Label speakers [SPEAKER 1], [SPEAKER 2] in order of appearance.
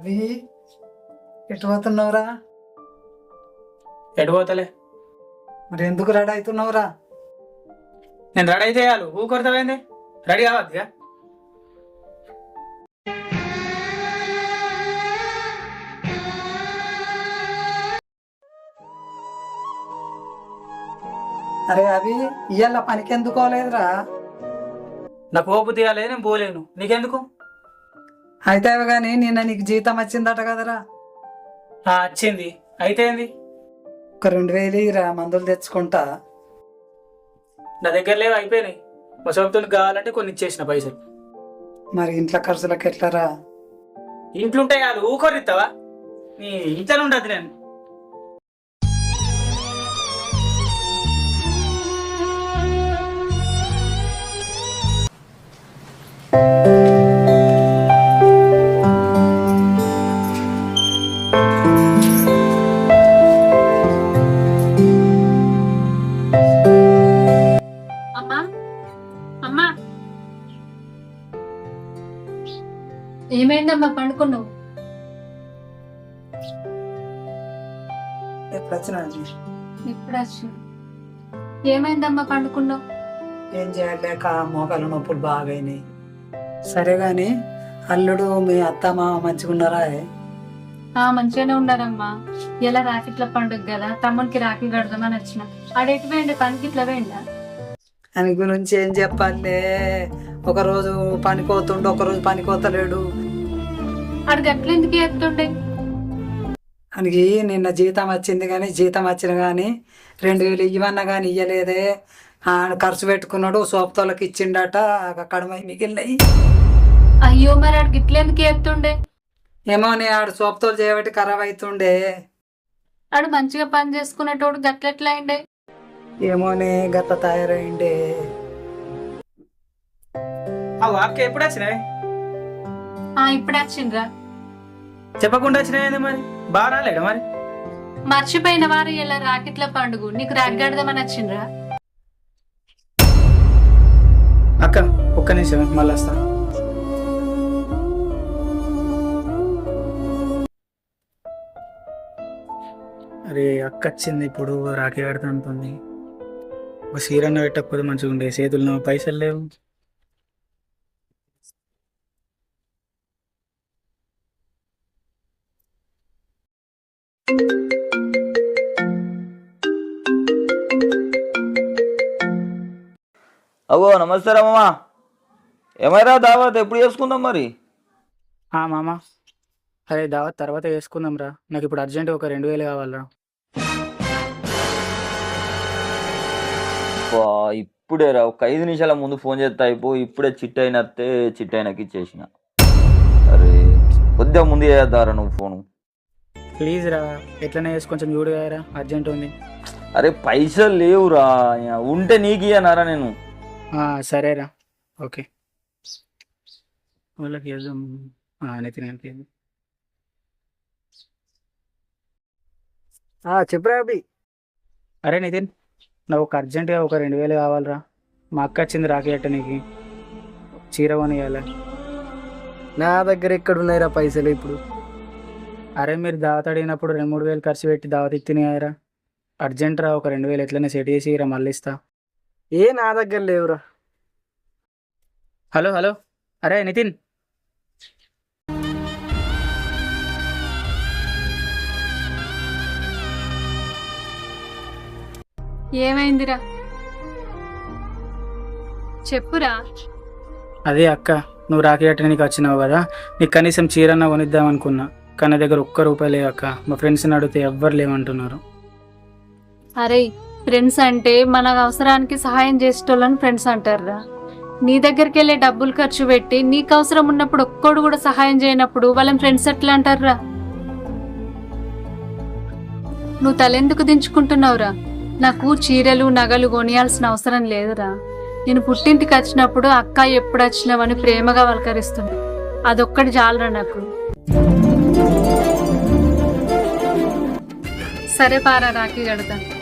[SPEAKER 1] అవి ఎటు పోతున్నావురా?
[SPEAKER 2] ఎటు పోతలే.
[SPEAKER 1] మరి ఎందుకు రెడీ అవుతున్నావురా?
[SPEAKER 2] నేను రెడీ అయితే చాలు ఊకొడతావేంది? రెడీ కావద్దుగా.
[SPEAKER 1] అరే అవి ఇయ్యాల పనికి ఎందుకు పోలేదురా?
[SPEAKER 2] నాకు ఓపు తీయాలి, నేను పోలేను. నీకెందుకు?
[SPEAKER 1] అయితే కానీ నిన్న నీకు జీతం వచ్చిందట కదరా?
[SPEAKER 2] వచ్చింది. అయితే ఏంది?
[SPEAKER 1] ఒక 2000 ఇరా, మందులు తెచ్చుకుంటా.
[SPEAKER 2] నా దగ్గర లేవు, అయిపోయినాయి. మా సొంతలు కావాలంటే కొన్ని ఇచ్చేసిన పైసలు.
[SPEAKER 1] మరి ఇంట్లో ఖర్చులకు ఎట్లారా?
[SPEAKER 2] ఇంట్లో ఉంటాయి కాదు, ఊకొరిస్తావా? నీ ఇంట్లో ఉండదు నేను.
[SPEAKER 3] ఏమైందమ్మా పండుకున్నావు?
[SPEAKER 1] ఎప్పుడు వచ్చినా?
[SPEAKER 3] ఇప్పుడు వచ్చి ఏమైందమ్మా పండుకున్నావు?
[SPEAKER 1] ఏం చేయలేక మోకాలు నొప్పులు బాగైనాయి. సరే గాని అల్లుడు మీ అత్త మామ మంచిగా ఉన్నారా?
[SPEAKER 3] మంచిగానే ఉన్నారమ్మా. ఇలా రాఖీట్ల పండుగ కదా, తమ్మునికి రాఖీ కడదామని వచ్చిన. ఆడెటు వేయండి, పనికి ఇట్లా వేయండా?
[SPEAKER 1] అని గురించి ఏం చెప్పాలే, ఒకరోజు పనికోతుండు, ఒకరోజు పనికోతలేడు.
[SPEAKER 3] ఆడు గట్ల ఎందుకు ఎత్తుండే?
[SPEAKER 1] ఆయనకి నిన్న జీతం వచ్చింది కానీ జీతం వచ్చిన కానీ 2000 ఇవ్వన్నా కానీ ఇయ్యలేదే. ఆయన ఖర్చు పెట్టుకున్నాడు, సోపుతోళ్ళకి ఇచ్చిండట, కడమ మిగిలినాయి.
[SPEAKER 3] అయ్యో, మరి ఆడు గిట్ల ఎందుకు ఎత్తుండే?
[SPEAKER 1] ఏమో నీ ఆడు సోపుతోలు చేయబట్టి ఖరాబ్ అవుతుండే.
[SPEAKER 3] ఆడు మంచిగా పని చేసుకునేటోడు గట్లెట్లా అయిండే?
[SPEAKER 1] ఏమోనే గట్ల తయారైండే.
[SPEAKER 2] అక్క ఎప్పుడు వచ్చినాయి?
[SPEAKER 3] ఇప్పుడు వచ్చిండ్రా.
[SPEAKER 2] చెప్పకుండా వచ్చినాయి మరి? బాగా రాలేడా మరి?
[SPEAKER 3] మర్చిపోయిన వారు ఇలా రాకెట్ల పండుగ, నీకు రాగడదామని వచ్చిండ్రా.
[SPEAKER 2] అక్క ఒక్క నిమిషం, మళ్ళీ వస్తా. అరే అక్క వచ్చింది, ఇప్పుడు రాఖీ కడతా ఉంటుంది. ఒక సీరన్న పెట్టకపోతే మంచిగా ఉండే. చేతుల్లో పైసలు లేవు.
[SPEAKER 4] అవో నమస్తే రా మామా. ఏమైనా దావత్ ఎప్పుడు చేసుకుందాం మరి?
[SPEAKER 2] మామ, అరే దావత్ తర్వాత వేసుకుందాం రా. నాకు ఇప్పుడు అర్జెంట్ ఒక 2000 కావాలరా.
[SPEAKER 4] ఇప్పుడే రా, ఒక 5 నిమిషాల ముందు ఫోన్ చేస్తా అయిపో. ఇప్పుడే చిట్టైనత్తే చిట్టైనకి ఇచ్చేసిన. అరే కొద్దిగా ముందు చేద్దారా నువ్వు ఫోను.
[SPEAKER 2] ప్లీజ్ రా, ఎట్లనే వేసి కొంచెం చూడు రా, అర్జెంట్ ఉంది.
[SPEAKER 4] అరే పైసలు లేవురా, ఉంటే నీకు ఇయ్యనారా నేను.
[SPEAKER 2] సరేరా, ఓకే. వాళ్ళకి వేద్దాం. నితిన్
[SPEAKER 1] చెప్పురా అభి.
[SPEAKER 2] అరే నితిన్, నాకు ఒక అర్జెంటుగా ఒక 2000 కావాలరా. మా అక్క వచ్చింది రాఖీ నీకు చీర కొనియాలి.
[SPEAKER 1] నా దగ్గర ఎక్కడ ఉన్నాయిరా పైసలు ఇప్పుడు?
[SPEAKER 2] అరే మీరు దావత్ అడిగినప్పుడు 2-3 వేలు ఖర్చు పెట్టి దావత్ ఇచ్చినాయరా. అర్జెంట్ రా, ఒక 2000 ఎట్లనే సెట్ చేసి రా, మళ్ళీ ఇస్తా.
[SPEAKER 1] నా దగ్గర లేవురా.
[SPEAKER 2] హలో హలో, అరే నితిన్.
[SPEAKER 3] ఏమైందిరా? చెప్పురా.
[SPEAKER 2] అదే అక్క, నువ్వు రాఖీ కట్టడానికి వచ్చినావు కదా, నీకు కనీసం చీరన్న కొనిద్దాం అనుకున్నా. కానీ దగ్గర ₹1 లేవు అక్క. మా ఫ్రెండ్స్ని అడిగితే ఎవ్వరు లేవంటున్నారు.
[SPEAKER 3] అరే ఫ్రెండ్స్ అంటే మన అవసరానికి సహాయం చేసేటోళ్ళని ఫ్రెండ్స్ అంటారా? నీ దగ్గరికి వెళ్ళే డబ్బులు ఖర్చు పెట్టి నీకు అవసరం ఉన్నప్పుడు ఒక్కడు కూడా సహాయం చేయనప్పుడు వాళ్ళని ఫ్రెండ్స్ ఎట్లా అంటారా? నువ్వు తలెందుకు దించుకుంటున్నావురా? నాకు చీరలు నగలు కొనియాల్సిన అవసరం లేదురా. నేను పుట్టింటికి వచ్చినప్పుడు అక్క ఎప్పుడు వచ్చినావని ప్రేమగా పలకరిస్తుంది. అదొక్కటి చాలరా నాకు. సరే పారా, రాఖీ కడతా.